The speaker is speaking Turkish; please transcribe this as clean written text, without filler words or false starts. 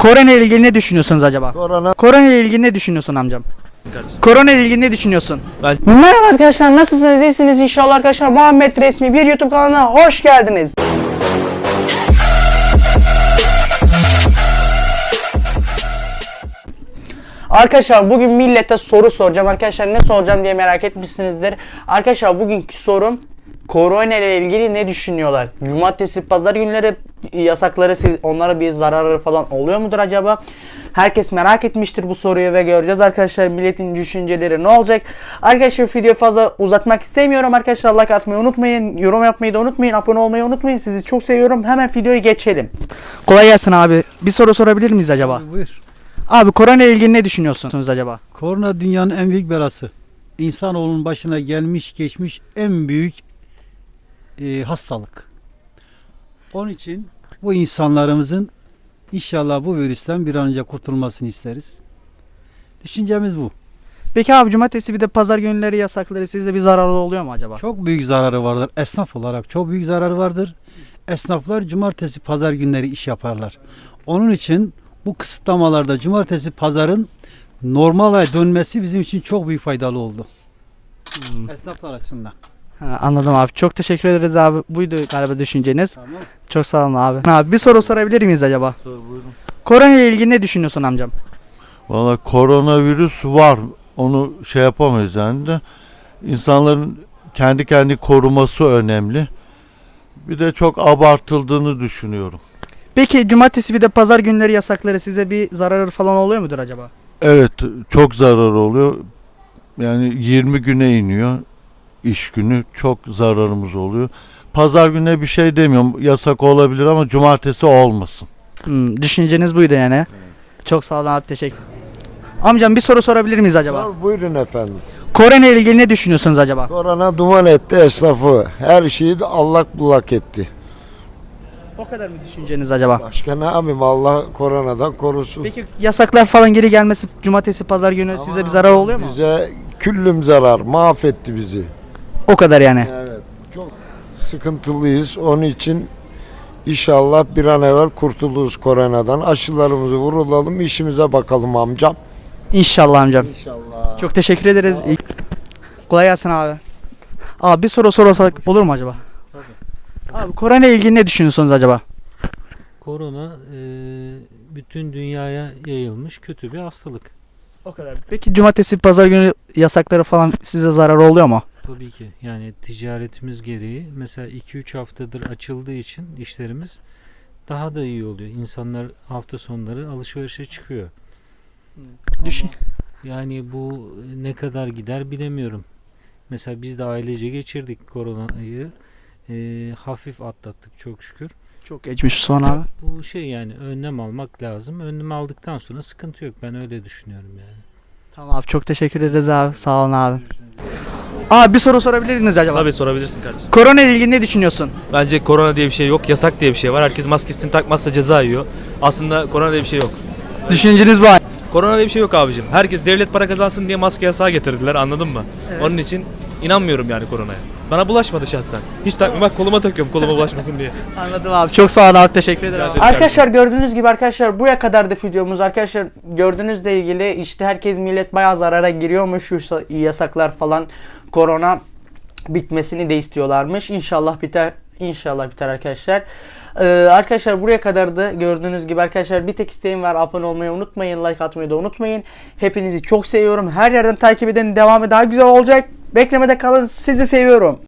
Korona ile ilgili ne düşünüyorsunuz acaba? Korona Korona ile ilgili ne düşünüyorsun amcam? Korona ile ilgili ne düşünüyorsun? Merhaba arkadaşlar, nasılsınız? İyisiniz inşallah arkadaşlar. Muhammed Resmi bir YouTube kanalına hoş geldiniz. Arkadaşlar bugün millete soru soracağım. Arkadaşlar ne soracağım diye merak etmişsinizdir. Arkadaşlar bugünkü sorum korona ile ilgili ne düşünüyorlar? Cumartesi, pazar günleri yasakları onlara bir zararı falan oluyor mudur acaba? Herkes merak etmiştir bu soruyu ve göreceğiz arkadaşlar milletin düşünceleri ne olacak? Arkadaşlar videoyu fazla uzatmak istemiyorum. Arkadaşlar like atmayı unutmayın. Yorum yapmayı da unutmayın. Abone olmayı unutmayın. Sizi çok seviyorum. Hemen videoya geçelim. Kolay gelsin abi. Bir soru sorabilir miyiz acaba? Buyur. Abi korona ile ilgili ne düşünüyorsunuz acaba? Korona dünyanın en büyük belası. İnsanoğlunun başına gelmiş geçmiş en büyük hastalık. Onun için bu insanlarımızın inşallah bu virüsten bir an önce kurtulmasını isteriz. Düşüncemiz bu. Peki abi cumartesi bir de pazar günleri yasakları sizde bir zararı oluyor mu acaba? Çok büyük zararı vardır. Esnaf olarak çok büyük zararı vardır. Esnaflar cumartesi pazar günleri iş yaparlar. Onun için bu kısıtlamalarda cumartesi pazarın normale dönmesi bizim için çok büyük faydalı oldu. Esnaflar açısından. Ha, anladım abi. Çok teşekkür ederiz abi. Buydu galiba düşünceniz. Tamam. Çok sağ olun abi. Abi bir soru sorabilir miyiz acaba? Sor buyurun. Korona ile ilgili ne düşünüyorsun amcam? Valla koronavirüs var. Onu şey yapamayız yani de. İnsanların kendi koruması önemli. Bir de çok abartıldığını düşünüyorum. Peki cumartesi bir de pazar günleri yasakları size bir zararı falan oluyor mudur acaba? Evet, çok zarar oluyor. Yani 20 güne iniyor iş günü. Çok zararımız oluyor. Pazar gününe bir şey demiyorum. Yasak olabilir ama cumartesi olmasın. Düşünceniz buydu yani. Çok sağ olun abi, teşekkür. Amcam bir soru sorabilir miyiz acaba? Sor buyurun efendim. Korona ile ilgili ne düşünüyorsunuz acaba? Korona duman etti esnafı. Her şeyi de allak bullak etti. O kadar mı düşünceniz acaba? Başka ne yapayım, Allah koronadan korusun. Peki yasaklar falan geri gelmesi cumartesi pazar günü size bir zarar oluyor mu? Bize küllüm zarar, mahvetti bizi. O kadar yani. Evet, çok sıkıntılıyız. Onun için inşallah bir an evvel kurtuluruz koronadan. Aşılarımızı vurulalım, işimize bakalım amcam. İnşallah amcam. İnşallah. Çok teşekkür ederiz. Kolay gelsin abi. Abi bir soru sorarsak olur mu acaba? Abi korona ile ilgili ne düşünüyorsunuz acaba? Korona bütün dünyaya yayılmış kötü bir hastalık. O kadar. Peki cumartesi pazar günü yasakları falan size zarar oluyor mu? Tabii ki yani ticaretimiz gereği mesela 2-3 haftadır açıldığı için işlerimiz daha da iyi oluyor. İnsanlar hafta sonları alışverişe çıkıyor. Düşün. Yani bu ne kadar gider bilemiyorum. Mesela biz de ailece geçirdik koronayı. Hafif atlattık çok şükür. Çok geçmiş sonra abi. Bu şey yani önlem almak lazım. Önlem aldıktan sonra sıkıntı yok. Ben öyle düşünüyorum yani. Tamam abi, çok teşekkür ederiz abi. Sağ olun abi. Abi bir soru sorabilir miyiz acaba? Tabii sorabilirsin kardeşim. Korona ile ilgili ne düşünüyorsun? Bence korona diye bir şey yok, yasak diye bir şey var. Herkes maskesini takmazsa ceza yiyor. Aslında korona diye bir şey yok. Düşünceniz bu. Korona diye bir şey yok abicim. Herkes devlet para kazansın diye maske yasağı getirdiler, anladın mı? Evet. Onun için inanmıyorum yani koronaya. Bana bulaşmadı şahsen. Hiç takmıyorum, bak koluma takıyorum koluma bulaşmasın diye. Anladım abi. Çok sağ olun abi. Teşekkür ederim. Rica Abi. ederim. Arkadaşlar gördüğünüz gibi arkadaşlar bu kadar da videomuz arkadaşlar gördüğünüzle ilgili işte herkes millet bayağı zarara giriyormuş şu yasaklar falan korona bitmesini de istiyorlarmış. İnşallah biter. İnşallah biter arkadaşlar. Arkadaşlar buraya kadar da gördüğünüz gibi arkadaşlar bir tek isteğim var. Abone olmayı unutmayın. Like atmayı da unutmayın. Hepinizi çok seviyorum. Her yerden takip edin. Devamı daha güzel olacak. Beklemede kalın. Sizi seviyorum.